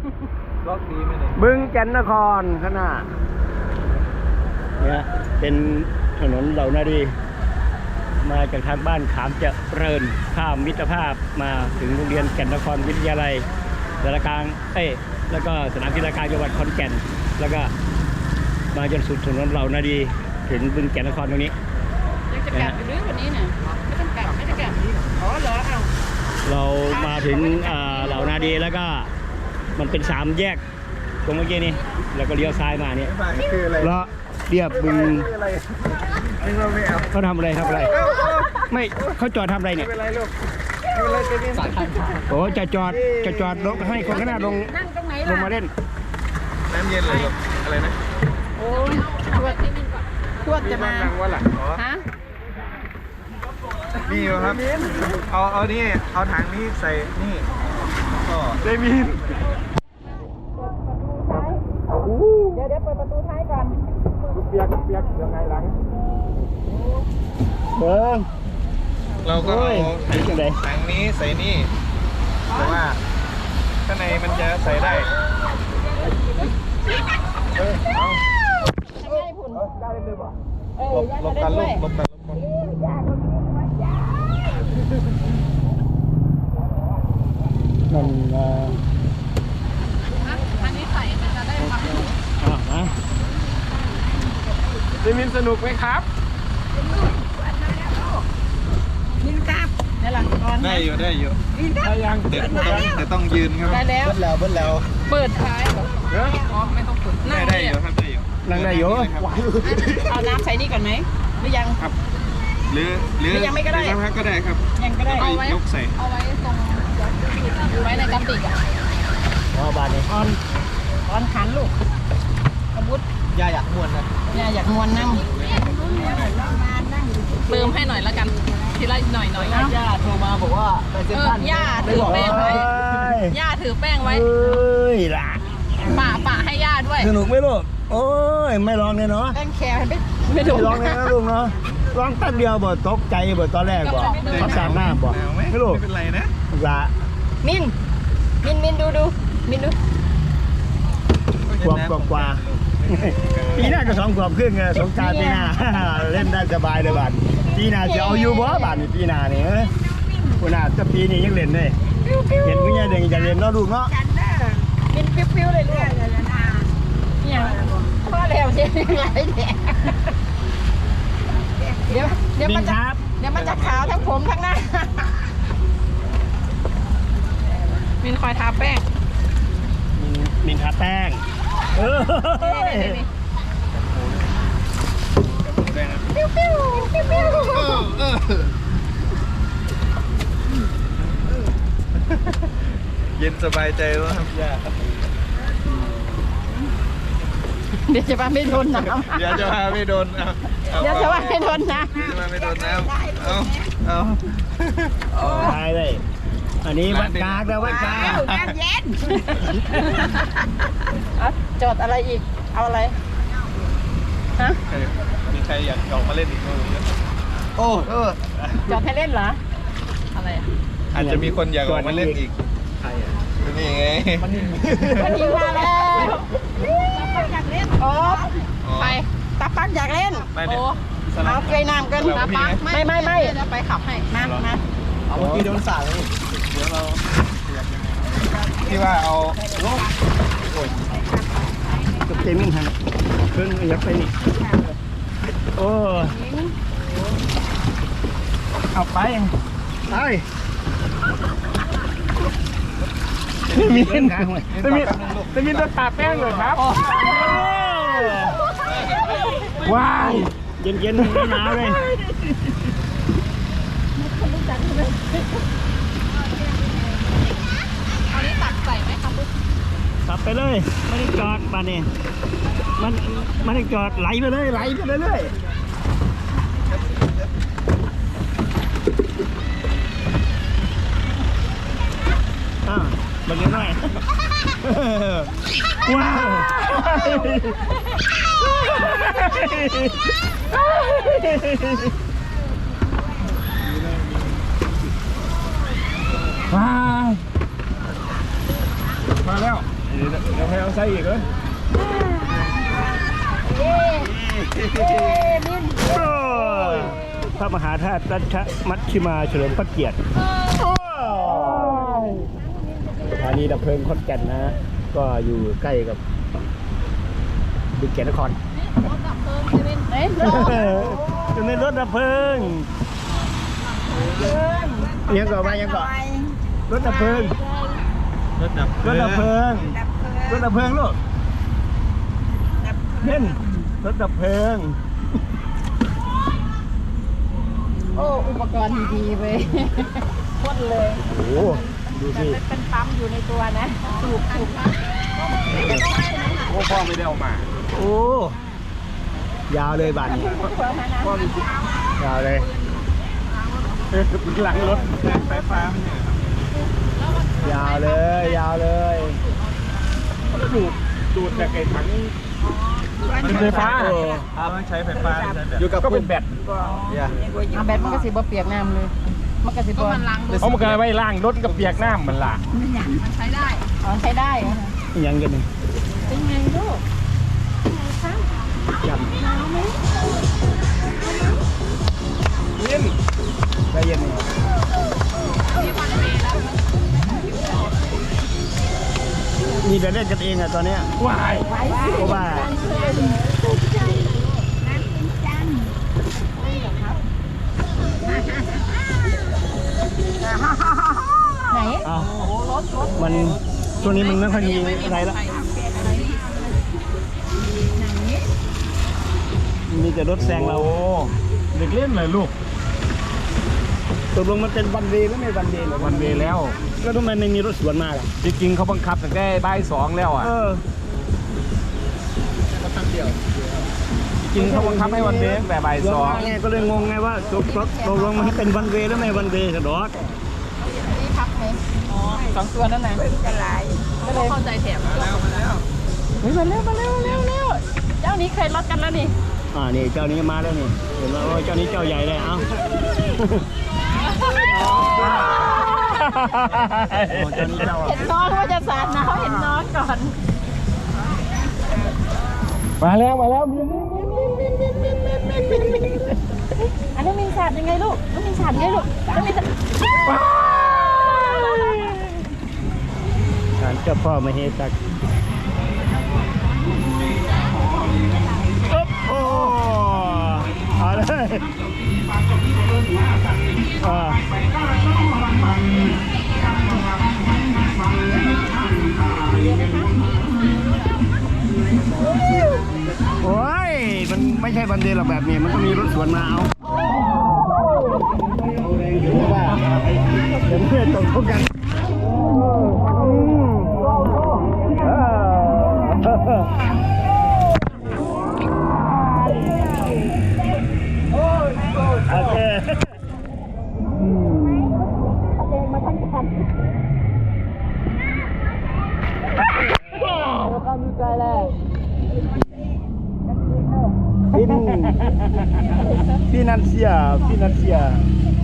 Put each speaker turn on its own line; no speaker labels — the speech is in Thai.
ล็อกดีไหมเนี่ย
บึงแก่นนครข้างหน้าเนี่ยเป็นถนนเหล่านาดีมาจากทางบ้านขามเจริญข้ามมิตรภาพมาถึงโรงเรียนแก่นนครวิทยาลัยสารกลางแล้วก็สนามกีฬากลางจังหวัดขอนแก่นแล้วก็มาจนสุดถนนเหล่านาดีถึงบึงแก่นนครตรงนี้
ยังจะกลับอยู่หรือวันนี้เนี่ยไม่ต้องกลับไม่ได้กลับอ๋อเหรอเอา
เรามาถึงเหล่านาดีแล้วก็มันเป็น3 แยกตรงเมื่อกี้นี่แล้วก็เลี้ยวซ้ายมาเนี่ย
คืออะไร
แล้วเรียบบึง
คืออะไรนึกว่าไม่เอา
เขาทำอะไรไม่เขาจอดทำอะไรเนี่ย
ไม่เป็นไรลูกไม่เป็นไรจะมีสายทาง
โอ้จะจอดลงให้คนข้างหน้าลง
นั่งตรงไหน
ล
ล่ะ
งมาเล่น
น้ำเย็นเลยลูกอะไรนะ
โอ้ยขวดจะมา
นั่งว่าหลังอ๋อ
ฮะ
นี่ครับเอานี่เอาถังนี้ใส่นี่ก็เดมิน
เดี๋ยวเปิดประตูท้ายก่อน
เปียกยังไงหลัง
เบิ้ง
เราก็เอา
โอ้ยเป็นจังได๋
ถังนี้ใส่นี่แต่ว่าข้างในมันจะใส่ได้เอา
ให้ผุน
ได้เลยป่ะ
หลบกันลูก
หลบกัน
นั่น
อันนี้ใส่มันจะได้ความรู้
นะ
เดมินสนุกไหมครับ
มินครับนี่แหละก่อน
ได้อยู่ได้ยัง
เดี๋ยว
ต้องยืนครับ
ได้แล้ว
เบิ้ลแล้ว
เปิดท้ายเหรออ๋อไม่ต้องเปิด
ได้อยู่ครับได้อยู่
นั่งได้อยู่
เอาน้ำใส่นี่ก่อนไหมหรือยัง
ครับหรือ
ยังไม่ก็ได้
ครับก็ได้ครับ
ยังก็ได้
เอาไว้ยกใส่
เอาไว้ตรงไว้ในกระติกอ่ะ
บานนี้
ออนขันลูกอาวุธ
ยาอยากม้วนนะ
เนี่ยอยากมวนนั่งเติมให้หน่อยละกันทีละหน่อยนะ
ย่าโทรมาบอกว่าไปเซ็นทรัล
ย่าถือแป้งไว้ย่าถือแป้งไว้
เอ้ยล่ะ
ป่าให้ย่าด้วย
สนุกไหมลูกโอ้ยไม่ลองเลยเนาะ
แป้งแคร์ไม่
ไม่
ถูก
ลองเลยนะลูกเนาะลองแป๊บเดียวบ่ตกใจบ่ตอนแรกบ่เขาสามหน้าบ่ไม่ลูก
ไม่เป็นไรนะ
ละ
มินดูมินดู
ขวบกว่าปีหน้าก็2 ขวบครึ่งสงกรานต์ปีหน้า เล่นได้สบายเลยบัดปีหน้าจะเอาอยู่บ่บัดนี่ปีหน้านี่คุณน่าจะปีนี้ยังเล่นได้เห็นคุณยายเด็กจะเล่นเนาะลูกเนาะ
มินปิ้วเลยลูกเนี่ยพ่อแล้วเจ๊ไหลแดงเดี๋ยวมันจะขาวทั้งผมทั้งหน้ามินคอยทาแป้ง
มินทาแป้ง
เย็นสบายใจแล้วครับย่า
เดี๋ยวจะว่าไม่โดนน้ำ
เดี๋ยวจะพาไม่โดน
เดี๋ยวจะว่าไม่โดนน้
จะพาไม่โดนน้ำเอา
ได้เลยอันนี้วัดกากแล้ววัดกาก
ำน้ำเย็นจอดอะไรอีกเอาอะไรฮะ
มีใครอยากออกมาเล่นอีกไหมโอ้
จอดให้เล่นเหรออะไร
อาจจะมีคนอยากออกมาเล่นอีกใครอ่ะนี่ไง
วันนี้มาแล้วตาปักอยากเล่นโอ้ไปตาปักอยากเล่นโอ้เอาเกยน้ำกันตาปักไม่จะไปขับให้มา
เอาเมื่อกี้โดนสาดเลยเดี๋ยวเราที่ว่าเอาโอ้ย
ตกใจมิ่งหันเพิ่งยับไปนี่โอ้เอาไปมีเส้นขาห่วยจะมีตัวตาแป้งเลยครับว้ายเย็นๆหนาวเลย
เอานี้ตักใส่ไหมครับ
ขับไปเลยไม่ได้จอดบ้านนี้มันไม่ได้จอดไหลไปเลยเรื่อยบังเอิญหน่อยว้าวมาแล้ว
เดี๋ยวให้เอาไส้อีกเหรอ
พระมหาธาตุรัชมัชชิมาเฉลิมพระเกียรติสถานีดับเพลิงขอนแก่นนะ ก็อยู่ใกล้กับบึงแก่นนครจะเป็นรถดับเพลิงยังก่อนไปยังก่อนรถดับเพลิงรถดับเพลิงรถดับเพลิงลูกเล่นรถดับเพลิง
โอ้อุปกรณ์ดีๆเว้ยพ่นเลย
โอ้ดูสิ
เป็นปั๊มอยู่ในตัวนะถูก
โอ้พ่อไม่ได้เอามา
โอ้ยาวเลยบ้านนี้
พ่อมี
ยาวเลย
หลังรถไฟฟ้า
ยาวเลยยาวเลย
ดูดจากไอ้ถังไฟฟ้าต้องใช้ไฟฟ้าอยู่กับก็เป็นแบต
เอาแบตมันก็สิบ่เปียกน้ำเลยมันก็สิบ่
เอามาไว้ล่างรถกับเปียกน้ำมันล่ะ
มันใช้ได้อ๋อใช้ได้
ยังกันนี่
เป็นไงลูก
จับ
หนาวไหม
เย็น
ใจเย็นมีแต่เล่นกันเองอะตอนนี้
วาย
เพราะว่า
ไหน
มันช่วงนี้มันไม่ค่อยมีอะไรแล้วมีแต่รถแซงเรา
เด็กเล่นเลยลูก
ตกลงมันเป็นวันเวย์หรือไม่วันเวย์
วันเวย์แล้ว
แล้วทำไมไม่มีรถสวนมาล่ะ
จริงๆเขาบังคับตั้งแต่บ่าย2แล้วอ่ะจริงเขาบังคับให้วันเวย์แต่บ่าย2
ไงก็เลยงงไงว่าตกลงมันเป็นวันเวย์หรือไม่วันเวย์กระโดด
นี่พักไหมอ๋อ2ตัวนั่นน่ะจะลายไม่ได้เข้าใจแถมมาแล้วมาเร็วเจ้านี้เคยรถกันแล้วนี่
นี่เจ้านี้มาแล้วนี่เห็นไหมว่าเจ้านี้เจ้าใหญ่เลยเอ้า
เห็นน้องว่าจะสาดนะเขาเห็นน้องก่อน
มาแล้ว
อันนี้มีสาดยังไงลูกน้องมีสาดยังไงลูกน้องมีสาด
การเจ้าพ่อมเหสักโอ้เอาเลยโอ้ยมันไม่ใช่บันเดย์หรอกแบบนี้มันก็มีรถสวนมาเอาเดี๋ยวว่าเดี๋ยวเพื่อนตกทุกกันโอเค
มาทั้งคันแล้วก็มีใจเลย
ฟินันเซีย